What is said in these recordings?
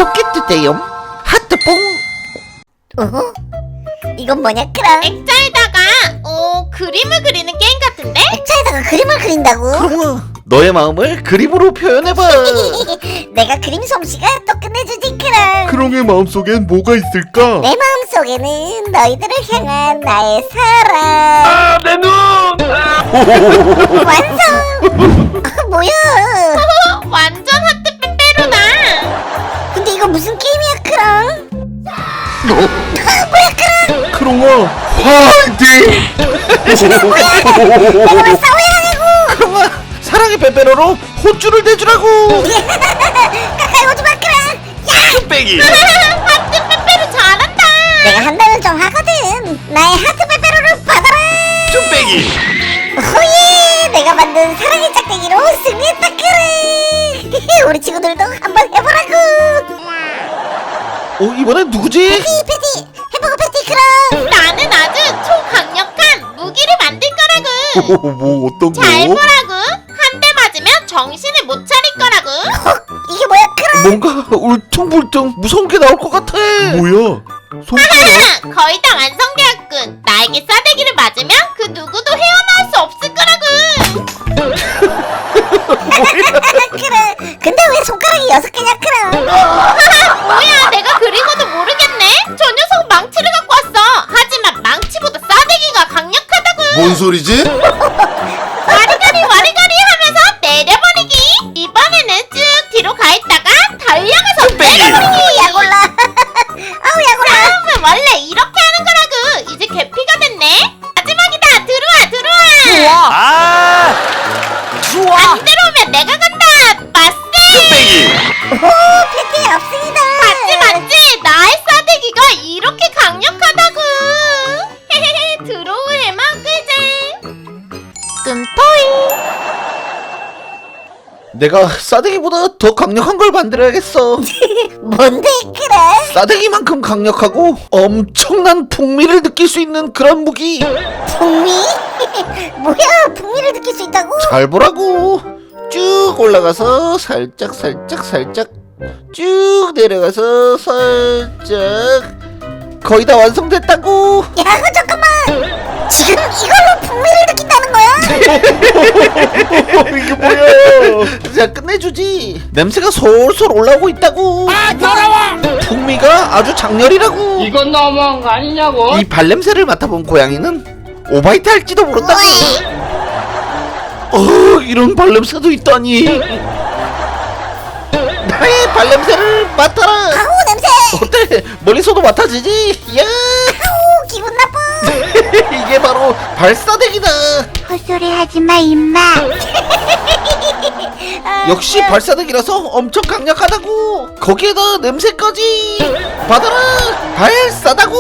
좋겠는데요. 하트뽕. 이건 뭐냐 크랑? 액자에다가 그림을 그리는 게임 같은데? 액자에다가 그림을 그린다고? 크롱아, 너의 마음을 그림으로 표현해봐. 내가 그림 솜씨가 또 끝내주지 크랑. 크롱의 마음속엔 뭐가 있을까? 내 마음속에는 너희들을 향한 나의 사랑. 내 눈! 완성! 뭐야? 완전 하트 빼빼로다. 근데 이거 무슨 게임이야 크랑? 크롱아, 화이팅! 내가 왜 싸워야 하냐고! 크롱아, 사랑의 빼빼로로 혼쭐을 내주라고. 가까이 오지마 크랑! 뚝배기! 하트 빼빼로 잘한다. 내가 한다면 좀 하거든. 나의 하트 빼빼로를 받아라. 뚝배기! 호예! 내가 만든 사랑의 짝대기로 승리했다 그래. 우리 친구들도 한번 해보라고. 이번엔 누구지? 패티 햄버거 패티 크랑. 나는 아주 초강력한 무기를 만들 거라고. 뭐 어떤 거? 잘 보라고. 한 대 맞으면 정신을 못 차릴 거라고. 이게 뭐야 크랑? 뭔가 울퉁불퉁 무서운 게 나올 것 같아. 뭐야? 손가락? 거의 다 완성되었군. 나에게 싸대기를 맞으면 그 누구도 헤어나올 수 없을 거라고. 크랑. 근데 왜 손가락이 6개냐 크랑? 뭐야, 내가 그리고도 모르겠네. 저 녀석 망치를 갖고 왔어. 하지만 망치보다 싸대기가 강력하다고. 뭔 소리지? 와리가리 와리가리 하면서 내려버리기. 이번에는 쭉 뒤로 가있다가 달려가서 내려버리기. 야골라. 아우 야골라. 싸움은 원래 이렇게 하는 거라고. 이제 개피가 됐네. 마지막이다. 들어와. 아! 안 들어오면 내가 간다. 맞세. 뚝배기! 오 패티 없습니다. 맞지. 나의 싸대기가 이렇게 강력하다고. 헤헤헤. 들어오해만 끄제. 끔토이. 내가 싸대기보다 더 강력한 걸 만들어야겠어. 뭔데 크랑? 싸대기만큼 강력하고 엄청난 풍미를 느낄 수 있는 그런 무기. 풍미? 뭐야 풍미를 느낄 수 있다고? 잘 보라고. 쭉 올라가서 살짝 쭉 내려가서 살짝. 거의 다 완성됐다고. 야 잠깐만. 지금 이걸로 풍미를 느낀다는 거야? 이게 뭐야? 자, 끝내주지. 냄새가 솔솔 올라오고 있다고. 더러워! 풍미가 아주 장렬이라고. 이건 너무한 거 아니냐고? 이 발냄새를 맡아본 고양이는 오바이트 할지도 모른다고. 이런 발냄새도 있다니. 나의 발냄새를 맡아라. 아우 냄새. 어때? 멀리서도 맡아지지? 야! 아우 기분 나빠. 이게 바로 발사대기다. 헛소리 하지마 임마. 역시 발사대기라서 엄청 강력하다고. 거기에다 냄새까지. 받아라. 발사다고.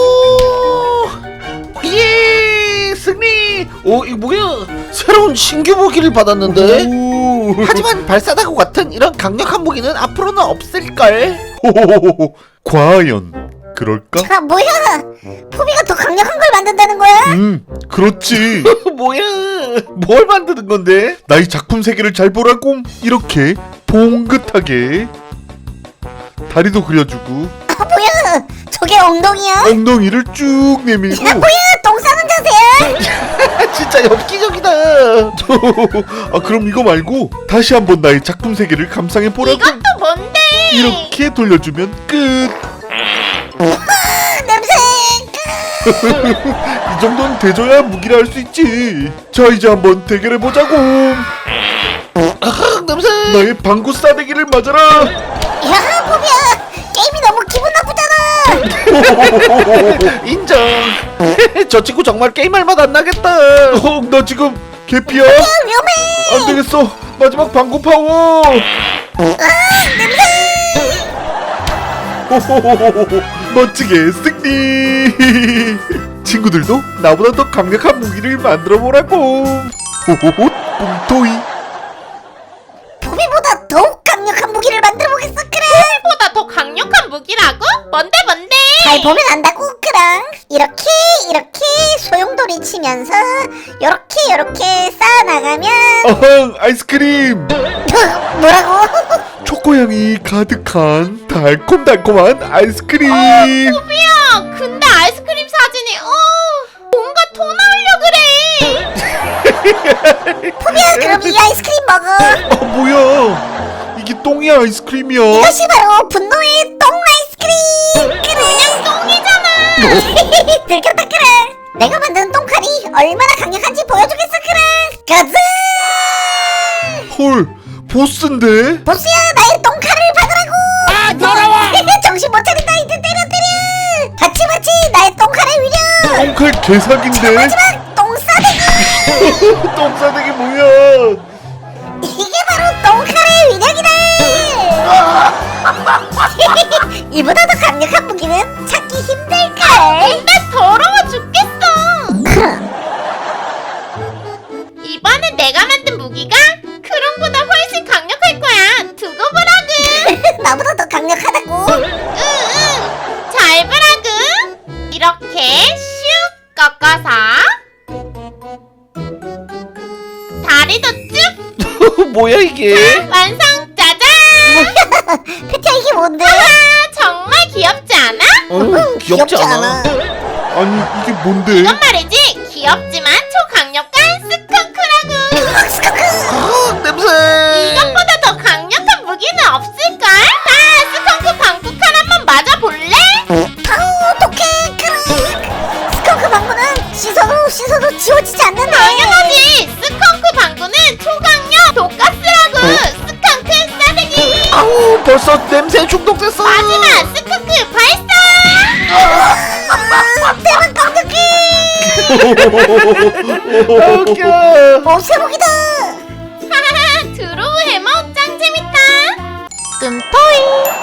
예, 승리. 이거 뭐야? 새로운 신규 무기를 받았는데. 오. 하지만 발사다구 같은 이런 강력한 무기는 앞으로는 없을걸. 호호호호. 과연 그럴까? 아 뭐야? 포비가 더 강력한 걸 만든다는 거야? 그렇지. 뭐야? 뭘 만드는 건데? 나의 작품 세계를 잘 보라고. 이렇게 봉긋하게 다리도 그려주고 아 뭐야? 저게 엉덩이야? 엉덩이를 쭉 내밀고. 야 뭐야? 똥 싸는 자세야? 진짜 엽기적이다. 아 그럼 이거 말고 다시 한번 나의 작품 세계를 감상해 보라고. 이것도 뭔데? 이렇게 돌려주면 끝. 냄새. 이 정도는 대줘야 무기라 할 수 있지. 자 이제 한번 대결해 보자고. 냄새. 나의 방구 싸대기를 맞아라. 야 포비야. 게임이 너무 기분 나쁘잖아. 인정. 저 친구 정말 게임할 맛 안 나겠다. 나 지금 개피야. 위험해. 안 되겠어. 마지막 방구 파워. 멋지게 승리. 친구들도 나보다 더 강력한 무기를 만들어 보라고. 호호호 뿡토이. 포비보다 더욱 강력한 무기를 만들어 보겠어 그래. 보다 더 강력한 무기라고? 뭔데? 잘 보면 안다고 그랑. 이렇게 소용돌이 치면 하면서 요렇게 쌓아나가면 아항 아이스크림. 뭐라고? 초코향이 가득한 달콤달콤한 아이스크림. 포비야, 근데 아이스크림 사진이 뭔가 토 나오려 그래. 포비야, 그럼 이 아이스크림 먹어. 뭐야 이게 똥이 아이스크림이야. 이것이 바로 분노의 똥 아이스크림. 그냥 똥이잖아. 들켰다 그래. 내가 만든 똥칼이 얼마나 강력한지 보여주겠어 그래. 가자. 헐 보스인데. 보스야, 나의 똥칼을 받으라고. 더러워. 정신 못 차린다. 이제 때려. 받지 나의 똥칼의 위력. 똥칼 개사기인데. 마지막 똥 싸대기. 똥싸대기 뭐야. 이게 바로 똥칼의 위력이다. 이보다 더 강력한 무기는 찾기 힘들걸. 근데 더러워 죽겠어. 이번에 내가 만든 무기가 크롱보다 훨씬 강력할 거야. 두고 보라구. 나보다 더 강력하다고. 응. 잘 보라구. 이렇게 슉 꺾어서 다리도 쭉 뭐야 이게? 완성. 짜잔. 페티야, 이게 뭔데? 정말 귀엽지 않아? 귀엽지 않아. 아니 이게 뭔데. 이건 말이지. 귀엽지만 초강력한 스컹크라구. 냄새. 이것보다 더 강력한 무기는 없을걸? 자, 스컹크 방구칼 한번 맞아볼래? 아우, 어떡해. 그래. 스컹크 방구는 씻어도 지워지지 않는데. 당연하지. 스컹크 방구는 초강력 독가스라고. 스컹크 싸대기. 아우 벌써 냄새 중독됐어. 마지막 스컹크 발사. 대박 강력해. 웃겨. 세목이다. 하하하. 드로우 해머 짱 재밌다. 끔토이.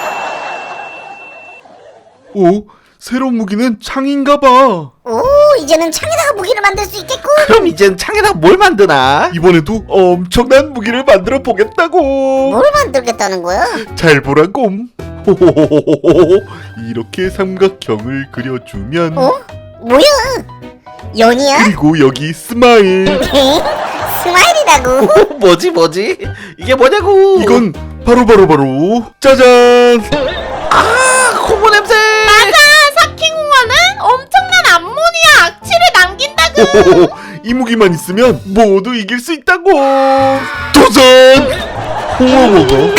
오 새로운 무기는 창인가봐. 오, 이제는 창에다가 무기를 만들 수 있겠군. 그럼 이젠 창에다 뭘 만드나? 이번에도 엄청난 무기를 만들어 보겠다고. 뭘 만들겠다는 거야? 잘 보라고. 호호호호호호. 이렇게 삼각형을 그려주면 뭐야? 연이야? 그리고 여기 스마일. 스마일이라고. 뭐지? 이게 뭐냐고? 이건 바로 짜잔. 아 고무 냄새. 맞아. 사킹공원은 엄청난 암모니아 악취를 남긴다고. 호호호. 이 무기만 있으면 모두 이길 수 있다고. 도전. 홍어먹어.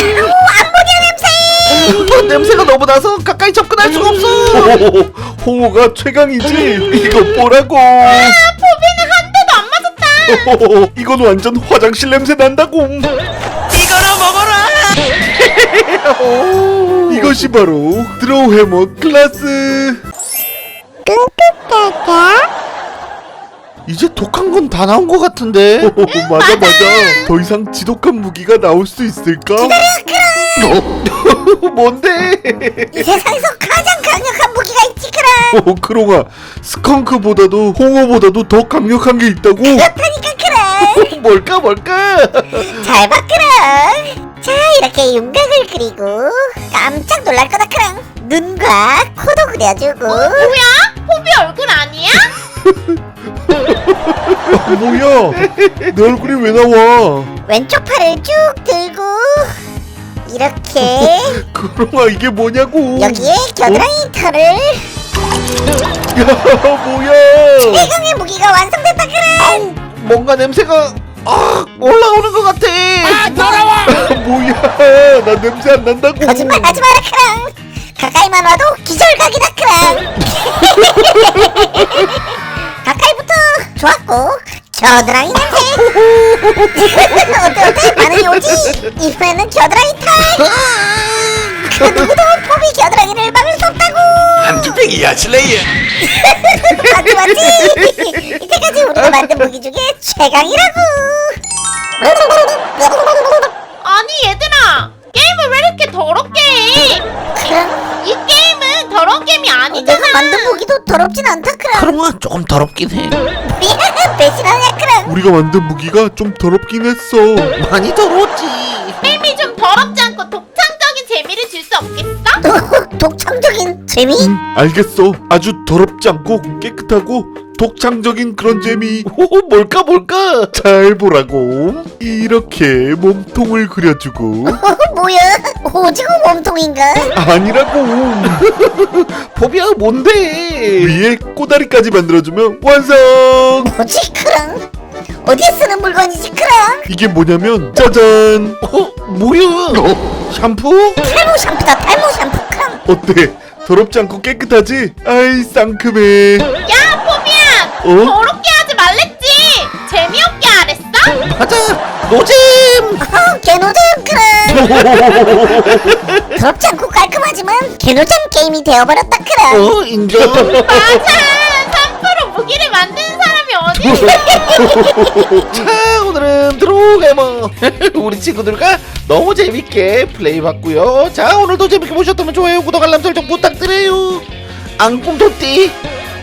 냄새가 너무 나서 가까이 접근할 수가 없어. 호호호. 홍어가 최강이지. 이거 보라고. 포비는 한 대도 안 맞았다. 호호호. 이건 완전 화장실 냄새 난다고. 이거나 먹어라. 이것이 바로 드로우 해머 클라스. 이제 독한 건 다 나온 것 같은데. 맞아. 더 이상 지독한 무기가 나올 수 있을까? 뭔데? 이 세상에서 가장 강력한 무기가 있지 그래. 크롱아, 스컹크보다도 홍어보다도 더 강력한 게 있다고? 그렇다니까 그래. 뭘까? 잘 봐 그래. 자, 이렇게 윤곽을 그리고 깜짝 놀랄 거다 그래. 눈과 코도 그려주고. 뭐야? 포비 얼굴 아니야? 뭐야? 내 얼굴이 왜 나와? 왼쪽 팔을 쭉 들고 이렇게 크롱아, 이게 뭐냐고? 여기에 겨드랑이 털을. 야, 뭐야? 최강의 무기가 완성됐다 그래. 뭔가 냄새가 올라오는 것 같아. 뭐야? 나 냄새 안 난다고. 거짓말 하지 마라 크랑. 가까이만 와도 기절각이다 크랑. 가까이부터 좋았고 겨드랑이 냄새. 어때 반응이 오지? 이번에는 겨드랑이 털. 그 누구도 포비 겨드랑이를 막을 수 없다고. 한주백이야 슬레이어. 맞지? 이때까지 우리가 만든 무기 중에 최강이라고. 아니 얘들아, 게임을 왜 이렇게 더럽게 해? 이 게임은 더러운 게임이 아니잖아. 내가 만든 무기도 더럽진 않다 크랑. 그러면 조금 더럽긴 해. 배신하냐 크랑. 우리가 만든 무기가 좀 더럽긴 했어. 많이 더러웠지. 게임이 좀 더럽지 않고 독창적인 재미를 줄 수 없겠어? 독창적인 재미? 알겠어. 아주 더럽지 않고 깨끗하고 독창적인 그런 재미. 오, 뭘까? 잘 보라고. 이렇게 몸통을 그려주고 뭐야? 오징어 몸통인가? 아니라고. 포비야 뭔데? 위에 꼬다리까지 만들어주면 완성. 뭐지 크랑? 어디에 쓰는 물건이지 크랑? 이게 뭐냐면 짜잔. 뭐야? 샴푸? 탈모 샴푸다 탈모 샴푸 크랑. 어때? 더럽지 않고 깨끗하지? 아이 쌍큼해. 야 포비야 어? 더럽게 하지 말랬지. 재미없게 하랬어? 맞아, 노잼. 개노잼 크랑. 더럽지 않고 깔끔하지만 개노잼 게임이 되어버렸다 크랑. 인정. 맞아 3% 무기를 만드는 사람이 어디 있어. 자, 오늘은 드로게머 우리 친구들과 너무 재밌게 플레이봤고요. 자, 오늘도 재밌게 보셨다면 좋아요, 구독, 알람 설정 부탁드려요. 앙꿈토띠